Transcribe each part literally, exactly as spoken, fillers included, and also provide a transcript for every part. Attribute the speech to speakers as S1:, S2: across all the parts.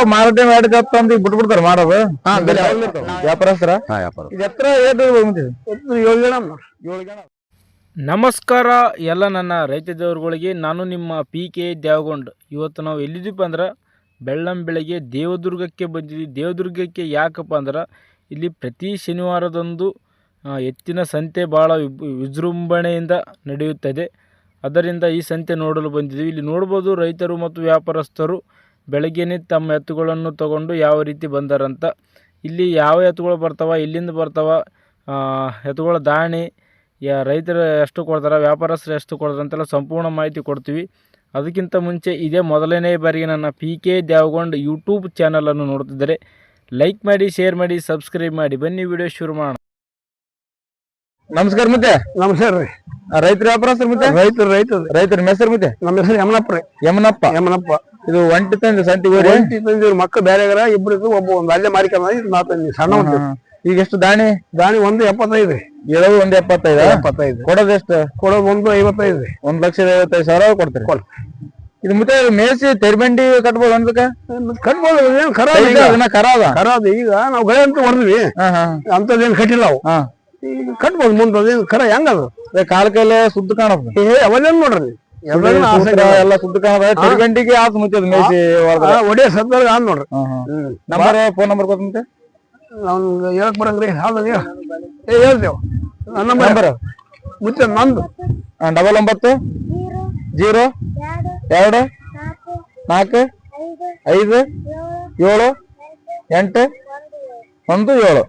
S1: ಮಾರಾಟ ಮಾಡಿ ಅಂತ ಬಿಟ್ಬಿಡ್ತಾರ ಮಾಡೋದು ವ್ಯಾಪಾರಸ್ತರ ಇದು ಎತ್ತರ ಏಳು ಜನ ಏಳು ಜನ.
S2: ನಮಸ್ಕಾರ ಎಲ್ಲ ನನ್ನ ರೈತ ದೇವರುಗಳಿಗೆ. ನಾನು ನಿಮ್ಮ ಪಿ ಕೆ ದೇವಗೊಂಡ್. ಇವತ್ತು ನಾವು ಎಲ್ಲಿದ್ದೀವಿ ಅಂದ್ರೆ ಬೆಳ್ಳಂ ಬೆಳಗ್ಗೆ ದೇವದುರ್ಗಕ್ಕೆ ಬಂದಿದ್ದೀವಿ. ದೇವದುರ್ಗಕ್ಕೆ ಯಾಕಪ್ಪ ಅಂದ್ರೆ ಇಲ್ಲಿ ಪ್ರತಿ ಶನಿವಾರದಂದು ಎತ್ತಿನ ಸಂತೆ ಭಾಳ ವಿಜೃಂಭಣೆಯಿಂದ ನಡೆಯುತ್ತದೆ. ಅದರಿಂದ ಈ ಸಂತೆ ನೋಡಲು ಬಂದಿದ್ದೀವಿ. ಇಲ್ಲಿ ನೋಡ್ಬೋದು ರೈತರು ಮತ್ತು ವ್ಯಾಪಾರಸ್ಥರು ಬೆಳಗ್ಗೆನೇ ತಮ್ಮ ಎತ್ತುಗಳನ್ನು ತಗೊಂಡು ಯಾವ ರೀತಿ ಬಂದಾರಂತ. ಇಲ್ಲಿ ಯಾವ ಎತ್ತುಗಳು ಬರ್ತಾವ, ಎಲ್ಲಿಂದ ಬರ್ತಾವ, ಎತ್ತುಗಳ ದಾಣಿ, ಯಾ ರೈತರು ಎಷ್ಟು ಕೊಡ್ತಾರೆ, ವ್ಯಾಪಾರಸ್ಥರು ಎಷ್ಟು ಕೊಡ್ತಾರೆ ಅಂತೆಲ್ಲ ಸಂಪೂರ್ಣ ಮಾಹಿತಿ ಕೊಡ್ತೀವಿ. ಅದಕ್ಕಿಂತ ಮುಂಚೆ ಇದೇ ಮೊದಲನೇ ಬಾರಿಗೆ ನನ್ನ ಪಿ ಕೆ ದೇವಗೊಂಡ್ ಯೂಟ್ಯೂಬ್ ಚಾನಲನ್ನು ನೋಡ್ತಿದ್ದರೆ ಲೈಕ್ ಮಾಡಿ, ಶೇರ್ ಮಾಡಿ, ಸಬ್ಸ್ಕ್ರೈಬ್ ಮಾಡಿ. ಬನ್ನಿ ವಿಡಿಯೋ ಶುರು ಮಾಡೋಣ.
S1: ನಮಸ್ಕಾರ ಮತ್ತೆ.
S3: ನಮಸ್ಕಾರ ರೀ.
S1: ರೈತರ ವ್ಯಾಪಾರಸ್ಥರು ಮತ್ತೆ
S3: ರೈತರು ರೈತರು
S1: ರೈತರ ಹೆಸರು ಮತ್ತೆ.
S3: ನಮ್ಮ ಹೆಸರು ಯಮನಪ್ಪ ರೀ.
S1: ಯಮನಪ್ಪ
S3: ಯಮನಪ್ಪ.
S1: ಇದು ಒಂಟಿ ತಂದೆ ಸಂತಿಗೆ
S3: ಒಂಟಿ ತಂದಿವ್ರು ಮಕ್ಕಳು ಬೇರೆ ಇಬ್ರು ಒಬ್ಬ ಒಂದು ಅಲ್ಲೇ ಮಾರಿಕೊಂಡ ನಾ ತಂದಿ ಸಣ್ಣ ಉಂಟು.
S1: ಈಗ ಎಷ್ಟು ದಾಣಿ?
S3: ದಾಣಿ ಒಂದು ಎಪ್ಪತ್ತೈದು ರೀ.
S1: ಇರೋದು ಒಂದು ಎಪ್ಪತ್ತೈದು
S3: ಎಪ್ಪತ್ತೈದು
S1: ಕೊಡೋದು ಎಷ್ಟು?
S3: ಕೊಡೋದು ಒಂದು ಐವತ್ತೈದು ರೀ.
S1: ಒಂದ್ ಲಕ್ಷದ ಐವತ್ತೈದು ಸಾವಿರ ಕೊಡ್ತೀರಿ. ಇದು ಮತ್ತೆ ಮೇಸಿ ತೆರಿಬಂಡಿ ಕಟ್ಬೋದು ಅನ್ಬೇಕ?
S3: ಕಟ್ಬೋದು. ಏನ್ ಖರ
S1: ಕರ ಅದ
S3: ಖರ ಅದ. ಈಗ ನಾವು ಗಳೆ ಅಂತ ಹೊಡೆದ್ವಿ, ಅಂತದೇನ್ ಕಟ್ಟಿಲ್ಲ ಅವು. ಈಗ ಕಟ್ಬೋದು ಮುಂದೆ. ಅದೇನು ಖರ ಹೆಂಗದು
S1: ಕಾಲ ಕೈಲೆ ಸುದ್ದ ಕಾಣದ.
S3: ಏ ಅವೇನ್ ನೋಡ್ರಿ
S1: ಎಲ್ಲ ಸುದ್ದ ಕಾಣದ. ತೆರಿಬಂಡಿಗೆ ಆತ ಮುಚ್ಚದ ಮೇಸಿ
S3: ಒಡೆಯ ಸದ್ದಾಗ ಆದ್ ನೋಡ್ರಿ.
S1: ನಂಬರ್ ಫೋನ್ ನಂಬರ್ ಕೊಡ್ತಂತೆ
S3: ನಾವ್ ಹೇಳಕ್ ಬರಂಗ್ರಿ. ಹೌದ ಏ ಹೇಳ್ತೇವ ನಂಬರ್ ಮುಚ್ಚ ನಂದು
S1: ಡಬಲ್ ಒಂಬತ್ತು ಜೀರೋ ಎರಡು ನಾಲ್ಕು ಐದು ಏಳು ಎಂಟು ಒಂದು ಏಳು.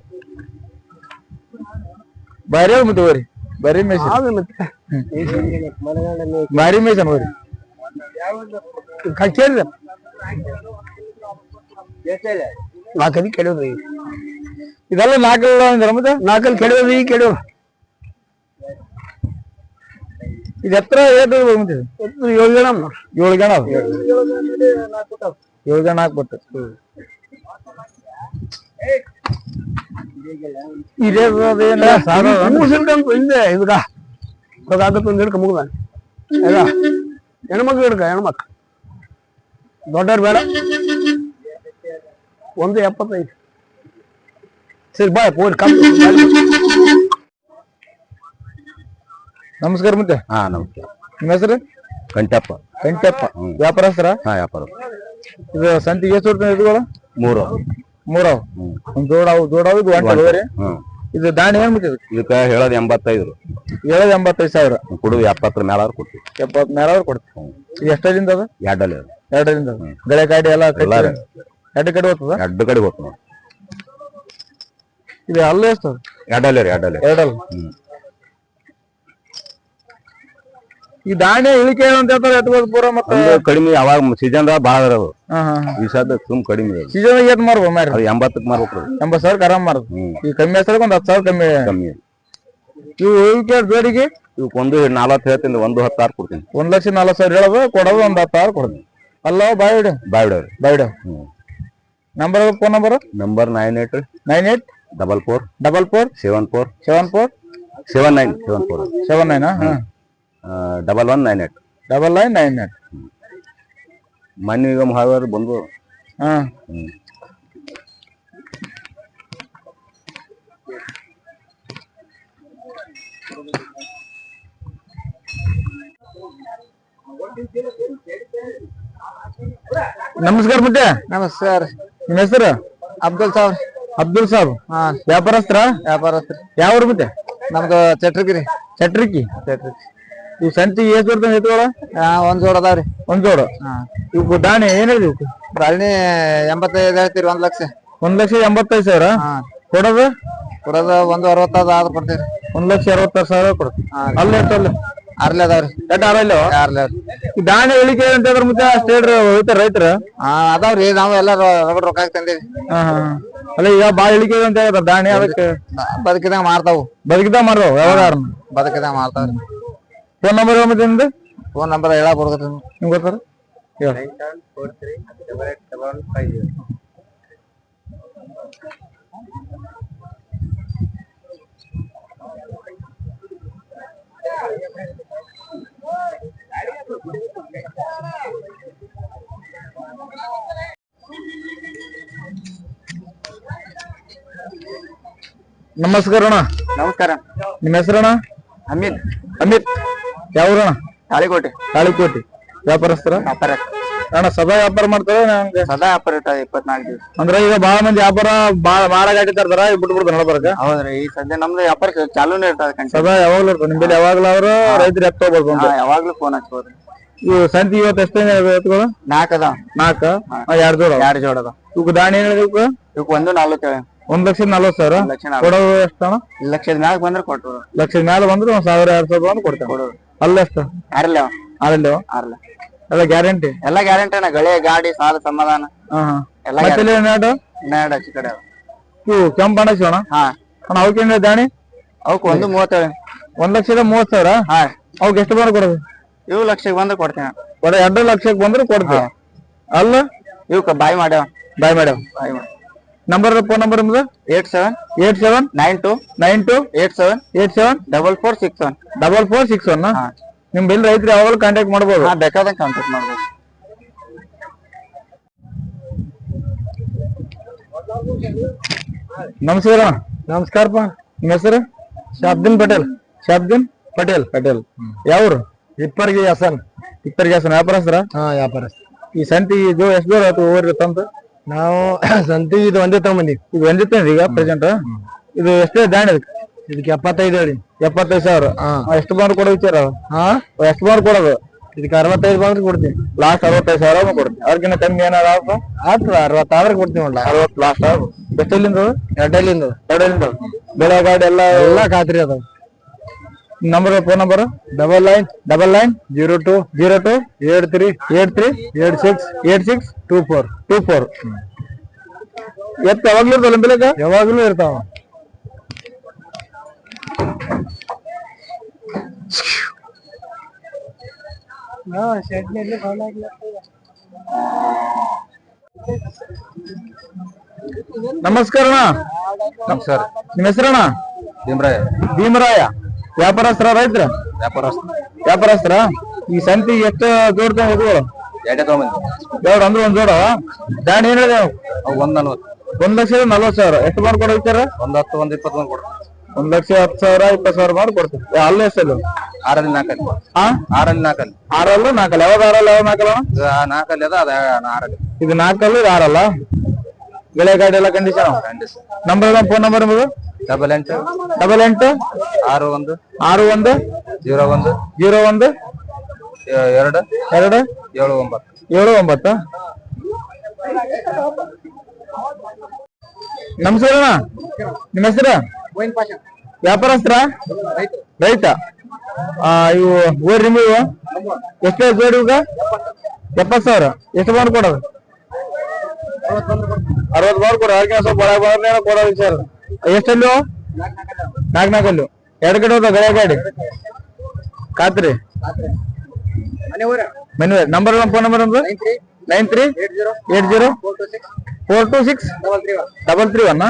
S1: ಬಾರಿ ಮತ್ತೆ ಹೋರಿ ಬರೀ ಮೇಸ ಬಾರಿ ಮೇಸ ಹೋರಿ
S3: ಕಚ್ಚೇರಿ ನಾಲ್ಕದಿ ಕೆಡೋದ್ರಿ.
S1: ಇದೆಲ್ಲ ನಾಲ್ಕಲ್ಲ ಅಂದ್ರೆ ಮತ್ತೆ
S3: ನಾಲ್ಕಲ್ಲಿ ಕೆಡೋದ್ರಿ. ಈ ಕೆಡೋ
S1: ಇದು ಎತ್ತರ ಏಳು
S3: ಏಳು ಜನ
S1: ಏಳು ಜನ ಏಳು ಜನ ಹಾಕ್ಬಿಟ್ಟು
S3: ಹಿಂದೆ ಇದಕ್ಕ ಆಗತ್ತ ಒಂದ್ ಹಿಡ್ಕ ಮುಗ್ದ ಈಗ ಹೆಣ್ಮಕ್ಳು ಹಿಡ್ಕ ಹೆಣ್ಮಕ್ಳು ದೊಡ್ಡವ್ರು ಬೇಡ. ಒಂದು ಎಪ್ಪತ್ತೈದು ಸರಿ ಬಾಯ್ ಪೋಲ್ ಕಮ್ಮಿ.
S1: ನಮಸ್ಕಾರ ಮತ್ತೆ.
S4: ಹಾ ನಮಸ್ಕಾರ.
S1: ನಿಮ್ಮ ಹೆಸರು?
S4: ಕಂಟಪ್ಪ.
S1: ಕಂಟಪ್ಪ ವ್ಯಾಪಾರಸ್ಥರ?
S4: ಹಾ ವ್ಯಾಪಾರ.
S1: ಇದು ಸಂತಿಗೆ ಎಷ್ಟು ಇರ್ತದೆ ಇದುಗಳು?
S4: ಮೂರು
S1: ಮೂರವ್ ಒಂದ್ ಜೋಡಾವು ಜೋಡಾವು ಇದು ಒಂಟರಿ. ಇದು ದಾಣಿ ಏನ್ ಮುಟ್ಟಿದ್?
S4: ಇದಕ್ಕ ಹೇಳೋದ್ ಎಂಬತ್ತೈದು.
S1: ಹೇಳೋದ್ ಎಂಬತ್ತೈದು ಸಾವಿರ.
S4: ಕೊಡುದು ಎಪ್ಪತ್ತರ ಮೇಲ ಕೊಡ್ತೀವಿ.
S1: ಎಪ್ಪತ್ ಮೇಲ ಕೊಡ್ತೀವಿ. ಇದು ಎಷ್ಟರಿಂದ ಅದ?
S4: ಎರಡಲ್ಲಿ
S1: ಎರಡರಿಂದ ಗಳೆ ಕಾಡಿ ಎಲ್ಲ ಎರಡು ಕಡೆ ಹೋಗ್ತದ?
S4: ಎರಡು ಕಡೆ ಹೋಗ್ತದ.
S1: ಇದು ಅಲ್ಲೇ ಎಷ್ಟು?
S4: ಎರಡಲ್ಲಿ ರೀ. ಎರಡಲ್ಲಿ
S1: ಎರಡಲ್ಲ. ಈ ದಾಣಿ ಇಳಿಕೆ ಅಂತ ಹೇಳ್ತಾರೆ ಎತ್ಬೋದು ಪೂರ. ಮತ್ತೆ
S4: ಕಡಿಮೆ ಯಾವಾಗ ಸೀಸನ್ ಬಾಳ ಇರೋದು. ಈ ಸದ ಸುಮ್ ಕಡಿಮೆ
S1: ಸೀಸನ್ ಏನ್ ಮಾರ್ಬೋ ಮಾರಿ?
S4: ಎಂಬತ್ತಕ್ ಮಾರ್ಬೇಕು.
S1: ಎಂಬತ್ ಸಾವಿರ ಆರಾಮ್ ಮಾರ್ದು. ಈ ಕಮ್ಮಿ ಹೆಸರು ಒಂದ್ ಹತ್ತು ಸಾವಿರ ಕಮ್ಮಿ
S4: ಕಮ್ಮಿ.
S1: ಇವು ಇಳಿಕೆ ಜೋಡಿಗೆ
S4: ಇವಕ್ ಒಂದು ನಲ್ವತ್ತು ಹೇಳ್ತೀನಿ, ಒಂದು ಹತ್ತು ಆರು ಕೊಡ್ತೀನಿ.
S1: ಒಂದ್ ಲಕ್ಷ ನಲ್ವತ್ ಸಾವಿರ ಹೇಳೋದು ಕೊಡೋದು ಒಂದ್ ಹತ್ತು ಆರು ಕೊಡ್ತೀನಿ. ಅಲ್ಲ ಬಾಯ್ಡ
S4: ಬಾಯ್ಡ
S1: ಬಾಯ್ಡ number phone number
S4: number nine eight
S1: nine eight
S4: double four
S1: double four
S4: seven four
S1: seven four
S4: seven nine seven four
S1: seven nine
S4: double one nine eight
S1: double nine nine eight.
S4: ಮಣ್ಣು ಈಗ ಮಹಾವೀರ ಬಂದು
S1: ಹಾ ನಮಸ್ಕಾರ ಮತ್ತೆ.
S3: ನಮಸ್ಕಾರ.
S1: ನಿಮ್ಮ ಹೆಸರು?
S3: ಅಬ್ದುಲ್ ಸಾಬ್.
S1: ಅಬ್ದುಲ್ ಸಾಬ್.
S3: ಹಾ
S1: ವ್ಯಾಪಾರಸ್ತ್ರ?
S3: ವ್ಯಾಪಾರಸ್ತ್ರ.
S1: ಯಾವ ಊರು ಮತ್ತೆ?
S3: ನಮ್ದು ಚಟ್ರಿಗಿರಿ.
S1: ಚಟ್ರಿಕಿ.
S3: ಚಟ್ರಿಕಿ.
S1: ಇವ್ ಸಂತಿ ಎಷ್ಟು ಬರ್ತದೆ ಎತ್ತುಗಳ?
S3: ಒಂದ್ ಜೋಡ್ ಅದಾವ್ರಿ.
S1: ಒಂದ್ ಜೋಡು. ಇವ್ ದಾಣಿ ಏನ್ ಹೇಳಿ?
S3: ದಾಣಿ ಎಂಬತ್ತೈದು ಹೇಳ್ತೀರಿ. ಒಂದ್ ಲಕ್ಷ
S1: ಒಂದ್ ಲಕ್ಷ ಎಂಬತ್ತೈದು ಸಾವಿರ. ಕೊಡೋದು?
S3: ಕೊಡೋದು ಒಂದು ಅರವತ್ತಾದ ಆದ್ ಕೊಡ್ತೀರಿ.
S1: ಒಂದ್ ಲಕ್ಷ ಅರವತ್ತಾರು ಸಾವಿರ ಕೊಡ್ತೀವಿ. ಅಲ್ಲಿ ಎಷ್ಟು? ಅಲ್ಲಿ
S3: ಅರ್ಲಿ ಅದಾವ್ರಿ.
S1: ಎಟ್ ಆರಲ್ಲ
S3: ಅರ್ಲಿ.
S1: ಈ ದಾಣಿ ಇಳಿಕೆ ಅಂತ ಹೇಳಿದ್ರೆ ಮತ್ತೆ ಅಷ್ಟು ಹೇಳ್ರಿ ಹೋಯ್ತಾರ ರೈತರ?
S3: ಹಾ ಅದಾವ್ರಿ. ನಾವು ಎಲ್ಲ ರಗಡ್ ರೊಕ್ಕ ತಂದಿವಿ.
S1: ಹಾ ಹಾ ಅಲ್ಲ ಈಗ ಬಾಳ ಇಳಿಕೆ ಅಂತ ಹೇಳ್ತಾರ ದಾಣಿ. ಅದಕ್ಕೆ
S3: ಬದುಕಿದಾಗ ಮಾರ್ತಾವು.
S1: ಬದುಕಿದಾಗ ಮಾರ್ತಾವ ಯಾವಾಗ?
S3: ಬದುಕಿದಾಗ ಮಾರ್ತಾವ್ರಿ.
S1: ಫೋನ್ ನಂಬರ್ ಮತ್ತೆ ನಿಮ್ದು?
S3: ಫೋನ್ ನಂಬರ್ ಹೇಳ ಬರ್ತೈತಿ
S1: ನಿಮ್ಗೆ ಗೊತ್ತಾರ? ನಮಸ್ಕಾರ ಅಣ್ಣ.
S3: ನಮಸ್ಕಾರ.
S1: ನಿಮ್ಮ ಹೆಸರಣ್ಣ?
S3: ಅಮಿತ್.
S1: ಅಮಿತ್ ಯಾವ್ರಣ?
S3: ತಾಳಿಕೋಟೆ.
S1: ತಾಳಿಕೋಟೆ. ವ್ಯಾಪಾರಸ್ಥರ?
S3: ವ್ಯಾಪಾರ
S1: ಅಣ್ಣ ಸದಾ ವ್ಯಾಪಾರ ಮಾಡ್ತಾರ?
S3: ಸದಾ ವ್ಯಾಪಾರ ಇರ್ತದೆ ಇಪ್ಪತ್ನಾಲ್ಕು ದಿವಸ.
S1: ಅಂದ್ರೆ ಈಗ ಬಾಳ ಮಂದಿ ವ್ಯಾಪಾರ ಬಾಳ ಮಾರಾಗಾಟಿ ತರ್ತಾರ ಬಿಟ್ಟು ಬಿಡ್ತಾರ ನಡಬರ್ಗ.
S3: ಹೌದ್ರಿ ಈ ಸದ್ಯ ನಮ್ದು ವ್ಯಾಪಾರ ಚಾಲೂನೇ ಇರ್ತದೆ.
S1: ಸದಾ ಯಾವಾಗ್ಲೂ ಇರ್ತದೆ ನಿಮ್ಮಲ್ಲಿ ಯಾವಾಗ್ಲೂ ಅವ್ರು ರೈತರು ಎತ್ತ ಹೋಗ್ಬೋದು.
S3: ಯಾವಾಗ್ಲೂ ಫೋನ್ ಹಚ್ಬೋದ್ರಿ.
S1: ಇವು ಸಂತಿ ಇವತ್ತು ಎಷ್ಟೇ ಎತ್ಗಳು?
S3: ನಾಲ್ಕು ಅದ.
S1: ನಾಲ್ಕ ಎರಡ್ ಜೋಡ?
S3: ಎರಡು ಜೋಡ ಅದ.
S1: ಇವಕ್ಕೆ ದಾಣಿ ಏನ್ ಹೇಳಿದ್ವಿ?
S3: ಇವಕ್ಕೆ ಒಂದು ನಲ್ವತ್ತೇಳು.
S1: ಒಂದ್ ಲಕ್ಷದ ನಲ್ವತ್ ಸಾವಿರ
S3: ಲಕ್ಷ
S1: ಕೊಡೋದು ಎಷ್ಟಣ್ಣ?
S3: ಲಕ್ಷದ ಮ್ಯಾಗ ಬಂದ್ರೆ ಕೊಟ್ಟರು.
S1: ಲಕ್ಷದ ಮ್ಯಾಲ ಬಂದ್ರೆ ಒಂದ್ ಸಾವಿರ ಎರಡ್ ಸಾವಿರ ಬಂದು ಕೊಡ್ತೇವೆ.
S3: ಕೊಡೋರು
S1: ಅಲ್ಲ ಎಷ್ಟು?
S3: ಆರಲ್ಲ
S1: ಆರಲ್ಲ
S3: ಆರಲ್ಲ
S1: ಎಲ್ಲ ಗ್ಯಾರಂಟಿ?
S3: ಎಲ್ಲ ಗ್ಯಾರಂಟಿ ಅಣ್ಣ. ಗಳೆ ಗಾಡಿ ಸಾಲ ಸಮಾಧಾನ ಎಲ್ಲ
S1: ಎರಡು
S3: ಹನ್ನೆರಡು ಹಚ್ಚಿ ಕಡೆ
S1: ಇವು ಕೆಂಪು ಬಣ್ಣ ಶಿವಣ್ಣ.
S3: ಹಾ
S1: ಅಣ್ಣ ಅವಕ್ಕೇನ್ ದಾಣಿ?
S3: ಅವಕ್ಕೆ ಒಂದು ಮೂವತ್ತೇಳು.
S1: ಒಂದ್ ಲಕ್ಷದ ಮೂವತ್ ಸಾವಿರ?
S3: ಹಾ
S1: ಅವಕ್ಕೆ ಎಷ್ಟು ಬಂದ್ರೆ ಕೊಡೋದು?
S3: ಇವು ಲಕ್ಷಕ್ಕೆ ಬಂದ್ರೆ ಕೊಡ್ತೇನೆ.
S1: ಒಡ ಎರಡು ಲಕ್ಷಕ್ಕೆ ಬಂದ್ರೆ ಕೊಡ್ತೇವೆ. ಅಲ್ಲ
S3: ಇವಕ್ಕ ಬಾಯ್ ಮಾಡ್ಯಾವ.
S1: ಬಾಯ್ ಮಾಡ್ಯಾವ.
S3: ಬಾಯ್ ಮಾಡಿ.
S1: ನಂಬರ್ ಫೋನ್ ನಂಬರ್ ನಿಮ್ದು?
S3: Eight seven
S1: eight seven
S3: nine two
S1: nine two
S3: eight seven
S1: eight seven
S3: double four six one
S1: double four six one. ನಿಮ್ ಬಿಲ್ ರೈತರು ಯಾವಾಗಲೂ ಕಾಂಟ್ಯಾಕ್ಟ್ ಮಾಡ್ಬೋದು.
S3: ಹಾ ಬೇಕಾದಂಗೆ ಕಾಂಟ್ಯಾಕ್ಟ್ ಮಾಡ್ಬೋದು.
S1: ನಮಸ್ಕಾರ.
S3: ನಮಸ್ಕಾರಪ್ಪ.
S1: ನಿಮ್ಮ ಹೆಸರು?
S3: ಶಾಬ್ದಿನ್ ಪಟೇಲ್.
S1: ಶಾಬ್ದಿನ್ ಪಟೇಲ್. ಪಟೇಲ್ ಯಾವ್ರು?
S3: ಇಪ್ಪರ್ಗಿ ಹಾಸನ್.
S1: ಇಪ್ಪರ್ಗಿ ಹಾಸನ್. ವ್ಯಾಪಾರಸ್ಥರ?
S3: ಹಾ ವ್ಯಾಪಾರ.
S1: ಈ ಸಂತಿ ಜೋ ಎಷ್ಟು ದೂರ ಆಯ್ತು ಓರಿ ತಂತ?
S3: ನಾವು ಸಂತಿ ಇದು ಒಂದೇ ತಗೊಂಬಂದಿ.
S1: ಇದು ಒಂದಿತ್ತೇನ್ರಿ ಈಗ ಪ್ರೆಸೆಂಟ್? ಇದು ಎಷ್ಟೇ ದಾಣಿ?
S3: ಇದಕ್ಕೆ ಎಪ್ಪತ್ತೈದು ಹೇಳಿ.
S1: ಎಪ್ಪತ್ತೈದು ಸಾವಿರ. ಎಷ್ಟು ಬಂದ್ರೆ ಕೊಡೋ ವಿಚಾರ?
S3: ಹಾ
S1: ಎಷ್ಟು ಬಂದ್ರೆ ಕೊಡೋದು?
S3: ಇದಕ್ಕೆ ಅರವತ್ತೈದು ಬಂದ್ರೆ ಕೊಡ್ತೀವಿ.
S1: ಲಾಸ್ಟ್ ಅರವತ್ತೈದು ಸಾವಿರ ಕೊಡ್ತೀವಿ. ಅವ್ರಿಗಿನ್ನ ಕಮ್ಮಿ ಏನಾರ
S3: ಆಯ್ತು ಅರವತ್ತಾದ್ರೆ ಕೊಡ್ತೀವಿ. ನೋಡ್ಲ
S1: ಅರವತ್ತು ಲಾಸ್ಟ್. ಎಷ್ಟಲ್ಲಿಂದ?
S3: ಎರಡಲ್ಲಿಂದ.
S1: ಎರಡಲ್ಲಿಂದ ಬೆಳೆ ಗಾಡಿ ಎಲ್ಲ
S3: ಎಲ್ಲ ಖಾತ್ರಿ ಅದಾವ.
S1: Number phone number?
S3: Double nine
S1: double nine
S3: zero two
S1: zero two
S3: eight three
S1: eight three
S3: eight six
S1: eight six
S3: two four
S1: two four. ಎತ್ತ ಯಾವಾಗ್ಲೂ ಇರ್ತಲ್ಲ ಬೆಳೆಗ?
S3: ಯಾವಾಗ್ಲೂ ಇರ್ತಾವ.
S1: ನಮಸ್ಕಾರ.
S3: ನಮಸ್ಕಾರ.
S1: ನಿಮ್ಮ ಹೆಸರಣ್ಣ?
S3: ಭೀಮರಾಯ.
S1: ಭೀಮರಾಯ. ವ್ಯಾಪಾರಸ್ಥರ ರೈತರ?
S3: ವ್ಯಾಪಾರಸ್ಥ.
S1: ವ್ಯಾಪಾರಸ್ಥರ. ಈ ಸಂತಿ ಎಷ್ಟು ಜೋಡ್ತಾ ಇದ್ವು?
S3: ಎರಡೇ ತಗೊಂಬಂದಿ.
S1: ಎರಡು ಅಂದ್ರೆ ಒಂದ್ ಜೋಡ. ದಾಣಿ ಏನ್ ಹೇಳಿದೆ?
S3: ಒಂದ್ ನಲ್ವತ್ತು.
S1: ಒಂದ್ ಲಕ್ಷದ ನಲ್ವತ್ ಸಾವಿರ. ಎಷ್ಟು ಮಾಡಿ ಕೊಡೋ ವಿಚಾರ?
S3: ಒಂದ್ ಹತ್ತು ಒಂದ್ ಇಪ್ಪತ್ತು ಬಂದ್ ಕೊಡ್ರಿ.
S1: ಒಂದ್ ಲಕ್ಷ ಹತ್ತು ಸಾವಿರ ಇಪ್ಪತ್ತು ಸಾವಿರ ಮಾಡಿ ಕೊಡ್ತೀವಿ. ಅಲ್ಲ ಎಷ್ಟಲ್ಲ?
S3: ಆರಲ್ಲಿ ನಾಲ್ಕಲ್ಲಿ.
S1: ಹಾ
S3: ಆರಲ್ಲಿ ನಾಲ್ಕಲ್ಲಿ.
S1: ಆರಲ್ಲ ನಾಲ್ಕಲ್ಲ? ಯಾವ್ದು ಆರಲ್ಲ ಯಾವ್ದು ನಾಲ್ಕಲ್ಲ?
S3: ನಾಲ್ಕಲ್ಲಿ ಅದ ಅದ ಆರಲ್ಲಿ.
S1: ಇದು ನಾಲ್ಕಲ್ಲ ಇದು ಆರಲ್ಲ? ಬೆಳೆ ಗಾಡಿ ಎಲ್ಲ ಕಂಡೀಷನ್? ನಂಬರ್ ಫೋನ್ ನಂಬರ್ ನಿಮ್ಮದು?
S3: ಡಬಲ್ ಎಂಟು
S1: ಡಬಲ್ ಎಂಟು
S3: ಆರು ಒಂದು
S1: ಆರು ಒಂದು
S3: ಜೀರೋ ಒಂದು
S1: ಜೀರೋ ಒಂದು
S3: ಎರಡು
S1: ಎರಡು
S3: ಏಳು ಒಂಬತ್ತು
S1: ಏಳು ಒಂಬತ್ತು. ನಮಸ್ಕಾರ. ನಿಮ್ಮ ಹೆಸರು? ವ್ಯಾಪಾರಸ್ಥರ? ರೈತ. ಆ ಇವು ಓರಿ ನಿಮ್ಮವು ಎಷ್ಟು ಜೋಡಿ? ಈಗ ಎಪ್ಪತ್ತು ಸಾವಿರ. ಎಷ್ಟು ಬಾರ್ ಕೊಡೋದು? ಅರವತ್ತು ಬಾರ್ ಕೊಡ. ಅವ್ರಿಗೆ ಸ್ವಲ್ಪ ಒಳಗೆ ಬಾರ್ನ ಕೊಡೋ ವಿಚಾರ. ಎಷ್ಟಲ್ಲೂ? ನಾಲ್ಕು ನಾಲ್ಕಲ್ಲೂ. ಎರಡು ಕಡೆ ಹೋದ ಗಳೆ ಗಾಡಿ ಖಾತ್ರಿ ಮನೆ. ನಂಬರ್ ಫೋನ್ ನಂಬರ್ ನಮ್ದು? Nine three eight zero four two six double three one.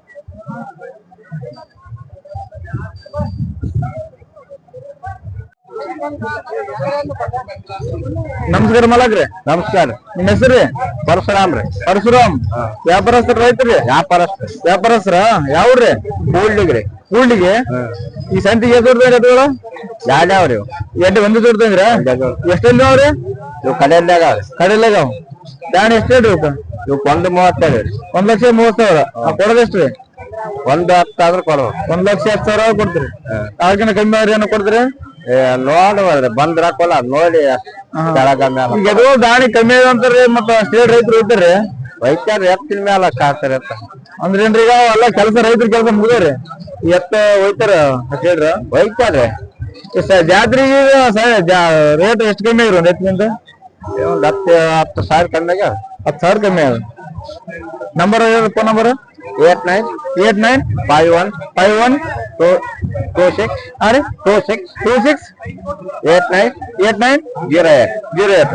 S1: ನಮಸ್ಕಾರ ಮಲಗ್ರಿ.
S3: ನಮಸ್ಕಾರ.
S1: ನಿಮ್ಮ ಹೆಸರು?
S3: ಪರಶುರಾಮ್ ರೀ.
S1: ಪರಶುರಾಮ್. ವ್ಯಾಪಾರಸ್ಥರ ರೈತರಿ?
S3: ವ್ಯಾಪಾರಸ್ಥ.
S1: ವ್ಯಾಪಾರಸ್ಥರ ಯಾವ್ರಿ?
S3: ಕೂಡ್ಲಿಗ್ರಿ.
S1: ಕೂಡ್ಲಿಗೆ. ಈ ಸಂತಿಗೆ ಎಷ್ಟು
S3: ಯಾವ್ಯಾವ್ರಿ?
S1: ಎಂಟು ಒಂದು ಜೋಡ್ತಂದ್ರ? ಎಷ್ಟೆಲ್ಲಿ ಅವ್ರಿ?
S3: ಇವು ಕಡೆಯಲ್ಲಾಗ
S1: ಕಡೆಯಲ್ಲಾಗ. ದಾಣಿ ಎಷ್ಟು ಹೇಳ್ರಿ ಇವಕ್ಕ?
S3: ಇವಕ್ಕೆ ಒಂದು ಮೂವತ್ತೇಳು ರೀ.
S1: ಒಂದ್ ಲಕ್ಷ ಮೂವತ್ ಸಾವಿರ. ಕೊಡೋದು ಎಷ್ಟು ರೀ?
S3: ಒಂದು ಹತ್ತು ಆದ್ರೆ ಕೊಡೋ.
S1: ಒಂದ್ ಲಕ್ಷ ಹತ್ತು ಸಾವಿರ ಕೊಡ್ತೀರಿ. ಆಗಿನ ಕಮ್ಮಿ ಅವ್ರಿ ಏನೋ ಕೊಡ್ತೀರಿ?
S3: ನೋಡುವಲ್ರಿ ಬಂದ್ರ ಹಾಕೋಲ್ಲ ನೋಡಿ.
S1: ಈಗ ಅದು ದಾಣಿ ಕಮ್ಮಿ ಆಗ ಅಂತಾರ್ರಿ. ಮತ್ತ ಸ್ಟೇಟ್ ರೈತರು ಹೋಗ್ತಾರ್ರಿ.
S3: ವೈದ್ಯರು ಎತ್ತಿನ ಮೇಲೆ ಕಾಡ್ತಾರೆ ಎತ್ತ.
S1: ಅಂದ್ರೆ ಏನ್ರಿ ಈಗ ಎಲ್ಲ ಕೆಲಸ ರೈತರ ಕೆಲಸ ಮುಗಿದ್ರಿ ಎತ್ತ ಹೋಯ್ತಾರ ಹೇಳ್ರ
S3: ವೈದ್ಯರ್ರಿ.
S1: ಜಾತ್ರೆಗೆ ರೇಟ್ ಎಷ್ಟು ಕಮ್ಮಿ ಆಗ್ರಿ ಒಂದ್ ಎತ್ತಿನಿಂದ?
S3: ಒಂದ್ ಹತ್ತು ಹತ್ತು ಸಾವಿರ ಕಮ್ಮಿ ಆಗ್ಯಾವ.
S1: ಹತ್ತು ಸಾವಿರ ಕಮ್ಮಿ ಆಗ. Number phone number?
S3: Eight nine
S1: eight nine
S3: five one
S1: five one
S3: two two six
S1: ಹಾ ರೀ
S3: two six
S1: two six
S3: eight nine
S1: eight nine
S3: zero eight
S1: zero eight.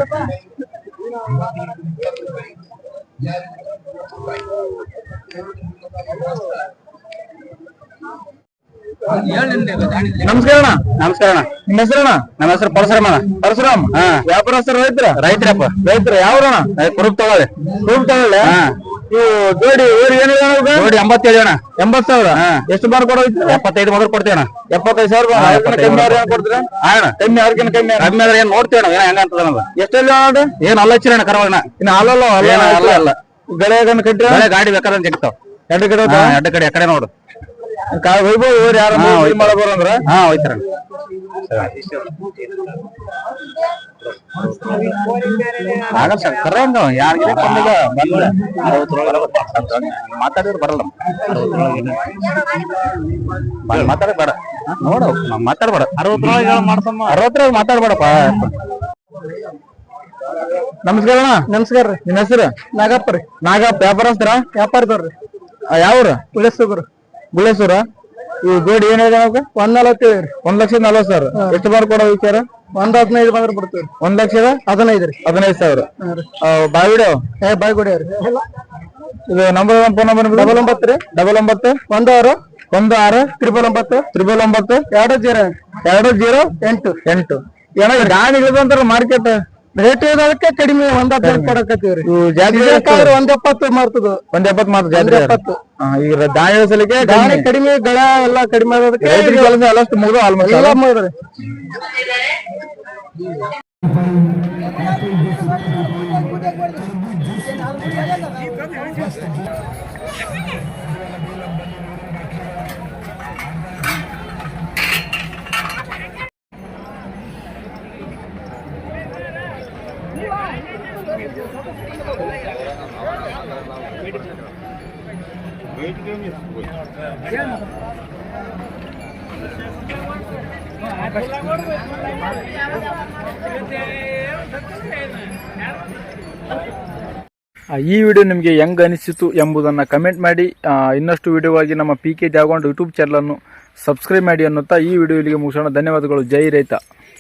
S1: ನಮಸ್ಕಾರ ಅಣ್ಣ.
S3: ನಮಸ್ಕಾರ ಅಣ್ಣ.
S1: ನಿಮ್ಮ ಹೆಸರಣ್ಣ?
S3: ನಮ್ಮ ಹೆಸರು ಪರಶುರಾಮ್ ಅಣ್ಣ.
S1: ಪರಶುರಾಮ್.
S3: ಹಾ.
S1: ವ್ಯಾಪಾರಸ್ಥರ ರೈತರ?
S3: ರೈತರಪ್ಪ.
S1: ರೈತರ ಯಾವ್ರಣ್ಣ?
S3: ಕುರುಪ್ ತಗೊಳ್ಳಿ.
S1: ಕುರುಪ್ ತಗೊಳ್ಳಿ. ಇವು ಜೋಡಿ ಊರಿ ಏನು
S4: ನೋಡಿ ಎಂಬತ್ತೇಳು ಅಣ್ಣ
S1: ಎಂಬತ್ ಸಾವಿರ ಎಷ್ಟು ಬಾರ್ ಕೊಡೋ
S4: ಎಪ್ಪತ್ತೈದು ಮೊದಲು ಕೊಡ್ತೀವಿ ಅಣ್ಣ
S1: ಎಪ್ಪತ್ತೈದು ಸಾವಿರ ಕಮ್ಮಿ ಅವ್ರ ಕೊಡ್ತೀರಾ
S4: ಅಣ್ಣ
S1: ಕಮ್ಮಿ ಅವ್ರಿಗಿನ ಕಮ್ಮಿ
S4: ಕಮ್ಮಿ ಆದ್ರೆ ಏನ್ ನೋಡ್ತೀವಿ ಅಣ್ಣ ಹೆಂಗ ಅಂತದ
S1: ಎಷ್ಟೆಲ್ಲ ನೋಡ್ರಿ
S4: ಏನ್ ಅಲ್ಲ ಹಚ್ಚಿರ ಅಣ್ಣ ಕರವಣ್ಣ
S1: ಇನ್ನು ಅಲ್ಲಲ್ಲ
S4: ಅಲ್ಲ ಅಲ್ಲ
S1: ಗಳೆಗನ್ ಕಟ್ಟಿ
S4: ಗಾಡಿ ಬೇಕಾದ್ರೆ ಜಗ್ತಾವ್
S1: ಎರಡು ಕಡೆ
S4: ಎರಡು ಕಡೆ ಎಕಡೆ ನೋಡು
S1: ವೈಭವ್ ಊರ್ ಯಾರು ಮಾಡಬೋರ ಅಂದ್ರ
S4: ಹಾ ಹೋಯ್ತಾರ ಆಗಲ್ಲ ಸರ್ ಕರ ಹಂಗ ಯಾರಿಗೆ ಮಾತಾಡಿದ್ರೆ ಬರಲ್ಲ ಮಾತಾಡ ಬೇಡ ನೋಡು ಮಾತಾಡ್ಬೇಡ ಅರವತ್ತರೊಳಗೆ ಮಾಡ್ತಮ್ಮ ಅರವತ್ತರೊಳಗೆ ಮಾತಾಡ್ಬೇಡಪ್ಪ.
S1: ನಮಸ್ಕಾರ ಅಣ್ಣ.
S3: ನಮಸ್ಕಾರ ರೀ.
S1: ನಿನ್ನ ಹೆಸರು?
S3: ನಾಗಪ್ಪ ರೀ.
S1: ನಾಗಪ್ಪ ವ್ಯಾಪಾರಸ್ತರ?
S3: ವ್ಯಾಪಾರದವ್ರಿ.
S1: ಯಾವ್ರ?
S3: ಗುಳೇಶ್ವರ.
S1: ಗುಳೇಶ್ವರ. ಇವು ಜೋಡಿ ಏನ್ ಹೇಳಿದೆ ನಮ್ಗೆ?
S3: ಒಂದ್ ನಲವತ್ತೇಳು ರೀ.
S1: ಒಂದ್ ಲಕ್ಷದ ನಲ್ವತ್ ಸಾವಿರ. ಎಷ್ಟು ಬಾರ್ ಕೊಡೋ ವಿಚಾರ?
S3: ಒಂದ್ ಹದಿನೈದು ಬಂದ್ರೆ ಬಿಡ್ತೀವಿ.
S1: ಒಂದ್ ಲಕ್ಷದ
S3: ಹದಿನೈದು ರೀ.
S1: ಹದಿನೈದು ಸಾವಿರ. ಬಾವಿಡು
S3: ಏ ಬಾಯ್ ಗುಡಿಯವ್ರಿ.
S1: ಇದು ನಂಬರ್ ಫೋನ್ ನಂಬರ್
S3: ಡಬಲ್ ಒಂಬತ್ತು ರೀ.
S1: ಡಬಲ್ ಒಂಬತ್ತು
S3: ಒಂದು ಆರು
S1: ಒಂದು ಆರು
S3: ತ್ರಿಬಲ್ ಒಂಬತ್ತು
S1: ತ್ರಿಬಲ್ ಒಂಬತ್ತು
S3: ಎರಡು ಜೀರೋ
S1: ಎರಡು ಜೀರೋ
S3: ಎಂಟು
S1: ಎಂಟು. ಏನೋ ಗಾಡಿ ಇಳಿದಂತಾರ ಮಾರ್ಕೆಟ್
S3: ರೇಟ್ ಇರೋದಕ್ಕೆ ಕಡಿಮೆ ಒಂದ್ ಹದಿನೈದು ಕೊಡಕತ್ತೀವ್ರಿ.
S1: ಜಾಸ್ತಿ
S3: ಒಂದ್ ಎಪ್ಪತ್ತು ಮಾಡ್ತದ.
S1: ಒಂದ್ ಎಪ್ಪತ್ತು ಮಾತ್ರ ಜಾತ್ರೆ
S3: ಎಪ್ಪತ್ತು.
S1: ಈಗ ದಾಣಿ ಸಲಿಗೆ
S3: ಗಾಡಿ ಕಡಿಮೆ ಗಳ ಎಲ್ಲ ಕಡಿಮೆ ಆಗೋದಕ್ಕೆ
S1: ರೈತರಿಗೆ ಕೆಲಸ ಎಲ್ಲಷ್ಟು ಮುಗಿದು ಆಲ್ಮೋಸ್ಟ್
S3: ಎಲ್ಲ ಮಾಡಿದ್ರಿ.
S2: ಈ ವಿಡಿಯೋ ನಿಮಗೆ ಹೆಂಗ್ ಅನಿಸಿತು ಎಂಬುದನ್ನು ಕಮೆಂಟ್ ಮಾಡಿ. ಇನ್ನಷ್ಟು ವಿಡಿಯೋಗಾಗಿ ನಮ್ಮ ಪಿ ಕೆ ದ್ಯಾವಗೊಂಡ್ ಯೂಟ್ಯೂಬ್ ಚಾನಲನ್ನು ಸಬ್ಸ್ಕ್ರೈಬ್ ಮಾಡಿ ಅನ್ನುತ್ತಾ ಈ ವಿಡಿಯೋ ಇಲ್ಲಿಗೆ ಮುಗಿಸೋಣ. ಧನ್ಯವಾದಗಳು. ಜೈ ರೈತ.